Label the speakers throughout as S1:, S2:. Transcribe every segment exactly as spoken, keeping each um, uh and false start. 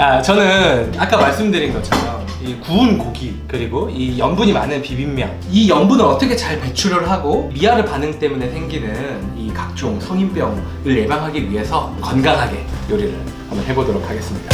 S1: 아, 저는 아까 말씀드린 것처럼 이 구운 고기 그리고 이 염분이 많은 비빔면, 이 염분을 어떻게 잘 배출을 하고 미아르 반응 때문에 생기는 이 각종 성인병을 예방하기 위해서 건강하게 요리를 한번 해보도록 하겠습니다.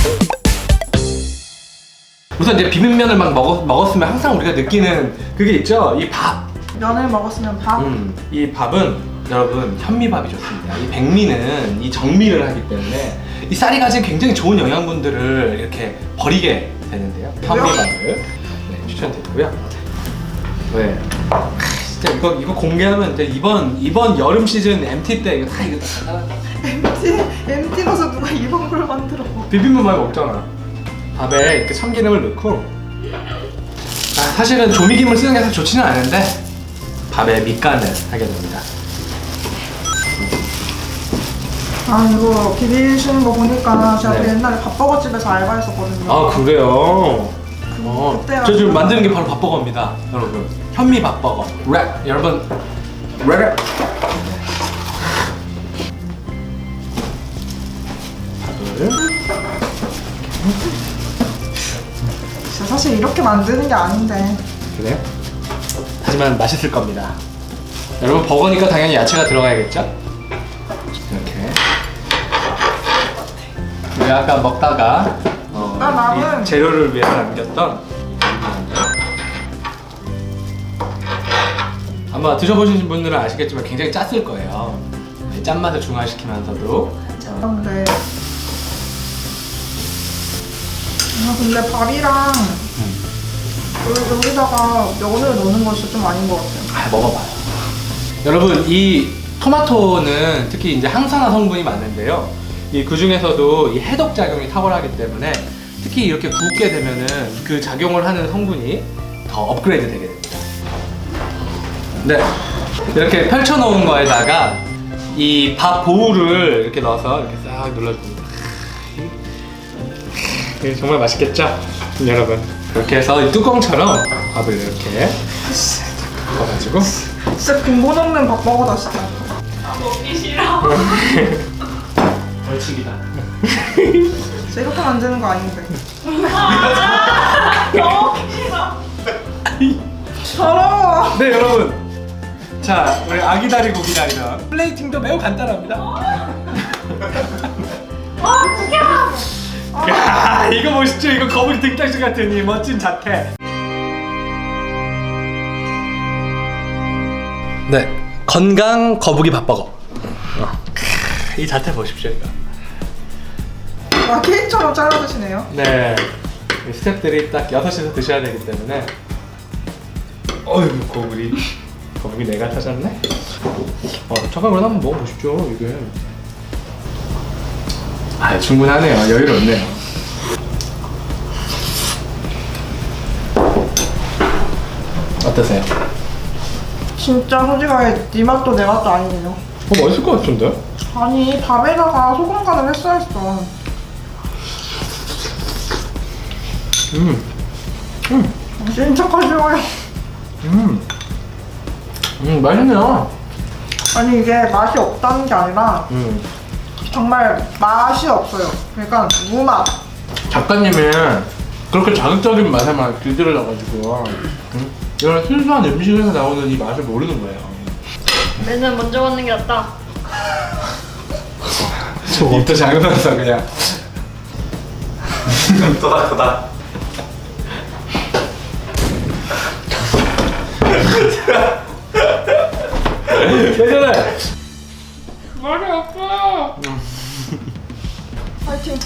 S1: 우선 이제 비빔면을 막 먹었, 먹었으면 항상 우리가 느끼는 그게 있죠? 이 밥.
S2: 면을 먹었으면 밥?
S1: 음, 이 밥은 여러분 현미밥이 좋습니다. 이 백미는 이 정미를 하기 때문에 이 쌀이 가진 굉장히 좋은 영양분들을 이렇게 버리게 되는데요. 현미밥을 네, 추천드리고요. 네. 아, 진짜 이거 이거 공개하면 이제 이번 이번 여름 시즌 엠티 때 이거 다 이거 다
S2: 엠티? 엠티 가서 누가 이런 걸 만들어?
S1: 비빔면 많이 먹잖아. 밥에 이렇게 참기름을 넣고. 아, 사실은 조미김을 쓰는 게 사실 좋지는 않은데 밥에 밑간을 하게 됩니다.
S2: 아 이거 비비시는 거 보니까 제가
S1: 네.
S2: 그 옛날에 밥버거집에서 알바했었거든요.
S1: 아 그래요?
S2: 그,
S1: 어,
S2: 그때가
S1: 저 지금 만드는 게 바로 밥버거입니다, 여러분. 현미 밥버거. 랩, 여러분. 랩. 밥을.
S2: 진짜 사실 이렇게 만드는 게 아닌데.
S1: 그래요? 하지만 맛있을 겁니다. 여러분 버거니까 당연히 야채가 들어가야겠죠? 이렇게. 우리 아까 먹다가 어,
S2: 아, 나는-
S1: 이 재료를 위해서 남겼던 아마 드셔보신 분들은 아시겠지만 굉장히 짰을 거예요. 짠맛을 중화시키면서도
S2: 근데 아 근데 밥이랑 여기- 여기다가 면을 넣는 건 진짜 좀 아닌 것 같아요.
S1: 아, 먹어봐요. 여러분 이 토마토는 특히 이제 항산화 성분이 많은데요. 이 그 중에서도 이 해독 작용이 탁월하기 때문에 특히 이렇게 굽게 되면은 그 작용을 하는 성분이 더 업그레이드 되게 됩니다. 네, 이렇게 펼쳐놓은 거에다가 이 밥 보우를 이렇게 넣어서 이렇게 싹 눌러줍니다. 이게 정말 맛있겠죠, 여러분? 이렇게 해서 이 뚜껑처럼 밥을 이렇게 넣어가지고.
S2: 진짜 근본 없는 밥버거다 진짜.
S1: 벌칙이다.
S2: 진짜 이렇게 만드는 거 아닌데. 더러워.
S1: 네 여러분, 자 우리 아기다리 고기다리는 플레이팅도 매우 간단합니다. 야 이거 멋있죠? 이거 거북이 등딱지 같은 이 멋진 자태. 네, 건강 거북이 밥버거. 어. 이 자태 보십시오 이거.
S2: 와 케이크처럼 잘라주시네요.
S1: 네, 이 스태프들이 딱 여섯 시에서 드셔야 되기 때문에. 어휴 거북이 거북이 내가 찾았네? 어 잠깐 그럼 한번 먹어보십시오 이게. 아 충분하네요. 여유롭네요. 어떠세요?
S2: 진짜 솔직하게 네 맛도 내 맛도 아니네요.
S1: 어 맛있을 것 같은데?
S2: 아니 밥에다가 소금 간을 했어야 했어.
S1: 음, 음,
S2: 진짜 가지워요.
S1: 음, 음 맛있네요.
S2: 아니 이게 맛이 없다는 게 아니라
S1: 음,
S2: 정말 맛이 없어요. 그러니까 무맛.
S1: 작가님이 그렇게 자극적인 맛에만 길들여 놔가지고 음? 이런 순수한 음식에서 나오는 이 맛을 모르는 거예요.
S3: 맨날 먼저 먹는 게 낫다.
S1: 저 입도 작으면서 그냥 도다 도다. 괜찮아.
S3: 말이 없어.
S2: 파이팅.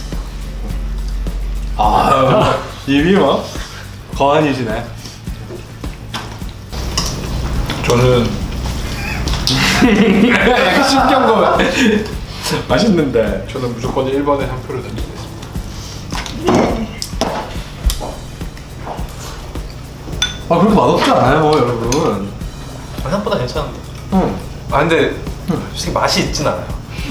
S1: 아 입이 뭐 거한이시네.
S4: 저는
S1: 약간 신경고 맛있는데.
S4: 저는 무조건 일 번에 한 표를 던지겠습니다.
S1: 아 그렇게 맛없지 않아요 여러분.
S4: 생각보다 괜찮은데.
S1: 응.
S4: 아 근데 솔직히 맛이 있진 않아요.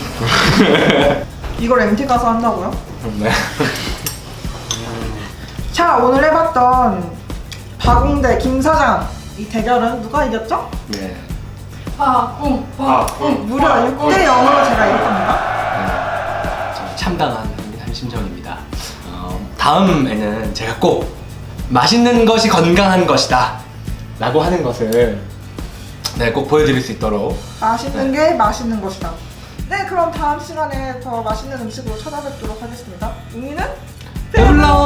S2: 이걸 엠티 가서 한다고요?
S1: 네.
S2: 자 오늘 해봤던 박웅대 김사장 이 대결은 누가 이겼죠?
S1: 네.
S3: 아, 응,
S4: 아,
S3: 응.
S2: 무려 육 대 영으로 제가 이겼답니다.
S1: 참 참담한 한 심정입니다. 어, 다음에는 제가 꼭 맛있는 것이 건강한 것이다 라고 하는 것을 네, 꼭 보여드릴 수 있도록
S2: 맛있는 게 맛있는 것이다. 네, 그럼 다음 시간에 더 맛있는 음식으로 찾아뵙도록 하겠습니다. 웅이는
S1: 배불러